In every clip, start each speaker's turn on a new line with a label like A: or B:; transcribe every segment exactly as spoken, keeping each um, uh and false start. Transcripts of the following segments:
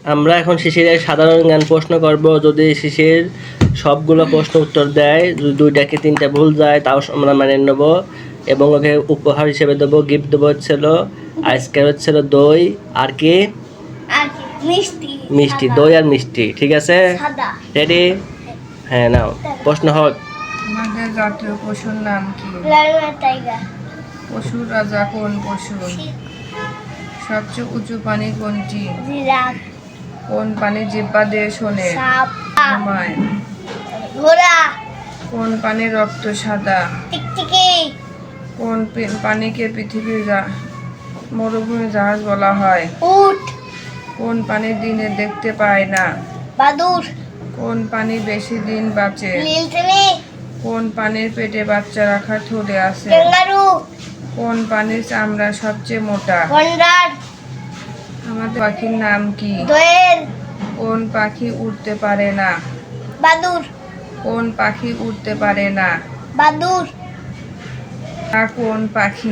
A: আমরা এখন শিশিরের সাধারণ জ্ঞান প্রশ্ন করব। যদি শিশির সবগুলো প্রশ্ন উত্তর দেয়, যদি দুইটা কি তিনটা ভুল যায় তাও আমরা মানে নেব এবং ওকে উপহার হিসেবে দেবো, গিফট দেবো হচ্ছিল আজকে হচ্ছিল দই আর কি
B: মিষ্টি
A: মিষ্টি দই আর মিষ্টি। ঠিক আছে, রেডি? হ্যাঁ, নাও প্রশ্ন হোক।
C: আমাদের জাতীয় পশুর নাম কি?
B: টাইগার।
C: পশুর রাজা কোন পশু? সবচেয়ে উঁচু প্রাণী কোনটি?
B: জিরাফ।
C: কোন প্রাণী জিহ্বা দিয়ে শোনে?
B: সাপ।
C: ঘুমায়?
B: ঘোড়া।
C: কোন প্রাণীর রক্ত সাদা?
B: টিকটিকি।
C: কোন পি- প্রাণীকে পৃথিবীর জা- মরুভূমির জাহাজ বলা হয়?
B: উট।
C: কোন প্রাণী দিনে দেখতে পায় না?
B: বাদুর।
C: কোন প্রাণী বেশি দিন বাঁচে?
B: নীলতিমি।
C: কোন প্রাণীর পেটে বাচ্চা রাখার থলে আছে?
B: ক্যাঙ্গারু।
C: কোন প্রাণীর চামড়া সবচেয়ে মোটা?
B: গন্ডার।
C: আমাদের পাখির নাম কি?
B: দোয়েল।
C: কোন পাখি উড়তে পারে না?
B: বাদুর।
C: কোন পাখি উড়তে পারে না?
B: বাদুর।
C: তা কোন পাখি?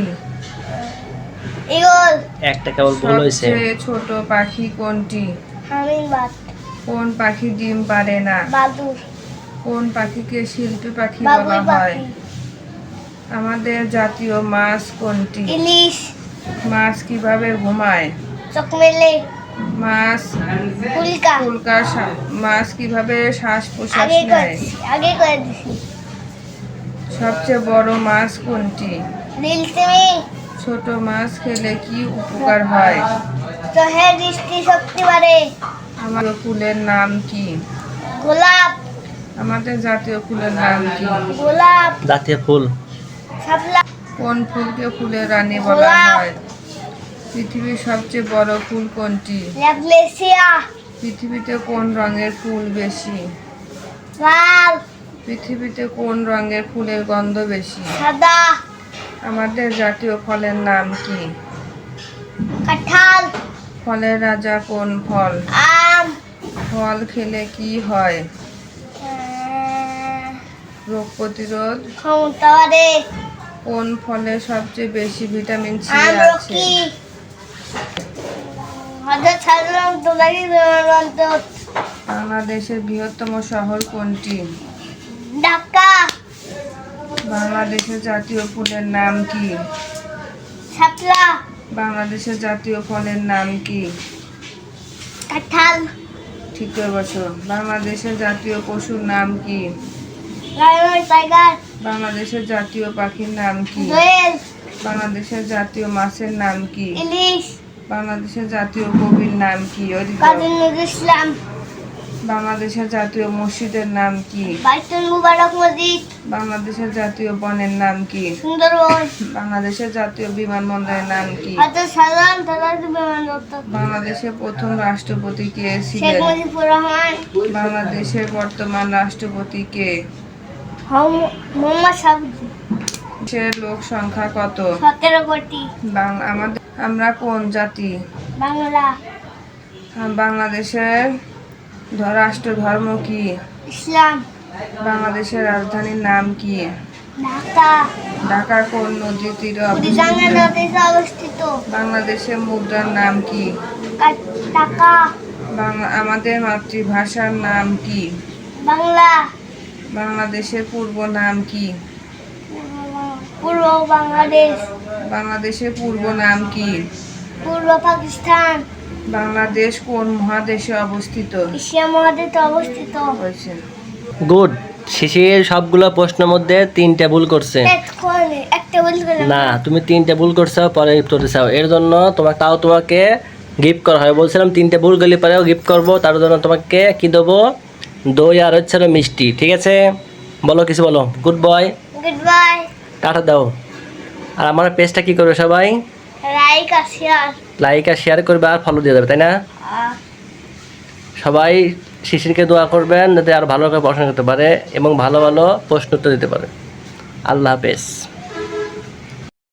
B: ঈগল।
A: একটা কেবল ভুল হয়েছে।
C: সবচেয়ে ছোট পাখি কোনটি?
B: হামিংবার্ড।
C: কোন পাখি ডিম পারে না?
B: বাদুর।
C: কোন পাখিকে শিল্পী পাখি
B: বাবুই
C: বলা হয়?
B: পাখি।
C: আমাদের জাতীয় মাছ কোনটি?
B: ইলিশ।
C: মাছ কিভাবে ঘুমায়?
B: চোখ মেলে।
C: মাছ
B: ফুলকা।
C: ফুলকা শা- মাছ কিভাবে শ্বাস প্রশ্বাস
B: আগে
C: নেয়?
B: করেছি আগে করে দিছি।
C: সবচেয়ে বড় মাছ কোনটি?
B: নীলতিমি।
C: ছোট মাছ খেলে কি উপকার হয়?
B: চোখের দৃষ্টি শক্তি বাড়ে।
C: আমাদের ফুলের নাম কি?
B: গোলাপ।
C: আমাদের জাতীয় ফুলের নাম কি?
B: গোলাপ।
A: জাতীয় ফুল
B: শাপলা।
C: কোন ফুলকে ফুলের রানী বলা
B: গোলাপ।
C: হয়? পৃথিবীর সবচেয়ে বড় ফুল কোনটি?
B: ল্যাভলেসিয়া।
C: পৃথিবীতে কোন রঙের ফুল বেশি?
B: লাল।
C: পৃথিবীতে কোন রঙের ফুলের গন্ধ বেশি?
B: সাদা।
C: আমাদের জাতীয় ফলের নাম কি?
B: কাঁঠাল।
C: ফলের রাজা কোন ফল?
B: আম।
C: ফল খেলে কি হয়?
B: আহ,
C: রোগ প্রতিরোধ।
B: ক্ষমতা বাড়ে।
C: কোন ফলে সবচেয়ে বেশি ভিটামিন সি আছে?
B: আমলকি। হাজার সাধারণ তোলারি বিমানবন্দর।
C: বাংলাদেশের বৃহত্তম শহর কোনটি?
B: ঢাকা।
C: বাংলাদেশের জাতীয় ফুলের নাম কি?
B: শাপলা।
C: বাংলাদেশের জাতীয় ফলের নাম কি?
B: কাঁঠাল।
C: ঠিক করে বসো। বাংলাদেশের জাতীয় পশুর নাম কি?
B: Lion tiger.
C: বাংলাদেশের জাতীয় পাখির নাম কি?
B: দোয়েল।
C: বাংলাদেশের জাতীয় মাছের নাম কি?
B: ইলিশ।
C: বাংলাদেশের জাতীয় কবির নাম কি? ওদিকে।
B: কাজী নজরুল ইসলাম।
C: বাংলাদেশের জাতীয় মসজিদের নাম কি?
B: বাইতুল মুবারক মসজিদ।
C: বাংলাদেশের জাতীয় বনের নাম কি?
B: সুন্দরবন।
C: বাংলাদেশের জাতীয় বিমানবন্দরের নাম কি?
B: হাজার সাধারণ তোলারি বিমানবন্দর।
C: বাংলাদেশের প্রথম রাষ্ট্রপতি কে
B: শেখ
C: ছিলেন?
B: মুজিবুর রহমান।
C: বাংলাদেশের বর্তমান রাষ্ট্রপতি কে?
B: হম- মোহাম্মদ সাবুদ্দিন।
C: দেশের লোক সংখ্যা কত?
B: সতেরো কোটি।
C: বাং- আমাদের আমরা কোন জাতি?
B: বাংলা।
C: বাংলাদেশের ধ- রাষ্ট্র ধর্ম কি?
B: ইসলাম।
C: বাংলাদেশের রাজধানীর নাম কি?
B: ঢাকা।
C: ঢাকা কোন নদীর তীরে
B: কুড়িগ্রামের
C: অবস্থিত?
B: নদীতে অবস্থিত।
C: বাংলাদেশের মুদ্রার নাম কি?
B: কা- টাকা।
C: বাংলা আমাদের মাতৃভাষার নাম কি?
B: বাংলা।
C: বাংলাদেশের পূর্ব নাম কি?
B: পূর্ব বাংলাদেশ।
C: বাংলাদেশের পূর্ব নাম কি?
B: পূর্ব পাকিস্তান।
C: বাংলাদেশ কোন মহাদেশে অবস্থিত?
B: এশিয়া মহাদেশে অবস্থিত।
C: হয়েছে।
A: গুড। শিশির সবগুলো প্রশ্নের মধ্যে তিনটা ভুল করছে।
B: এক্ষণে একটা বলি
A: না, তুমি তিনটা ভুল করছো, পরে গিফট করতে চাও, এর জন্য তোমাকে তাও তোমাকে গিফট করা হয়। বলছিলাম তিনটে ভুল গেলে পরেও গিফট করবো, তার জন্য তোমাকে কি দেবো? দই আর হচ্ছে হলো মিষ্টি। ঠিক আছে, বলো কিছু বলো। Good boy.
B: Good bye.
A: Tata দাও। আর আমার পেজটা কি করবে সবাই?
B: লাইক আর শেয়ার।
A: লাইক আর শেয়ার করবে আর ফলো দিয়ে দেবে, তাই না? সবাই শিশিরকে দোয়া করবেন যাতে আরও ভালো করে পড়াশোনা করতে পারে এবং ভালো ভালো প্রশ্ন উত্তর দিতে পারে। আল্লাহ হাফেজ।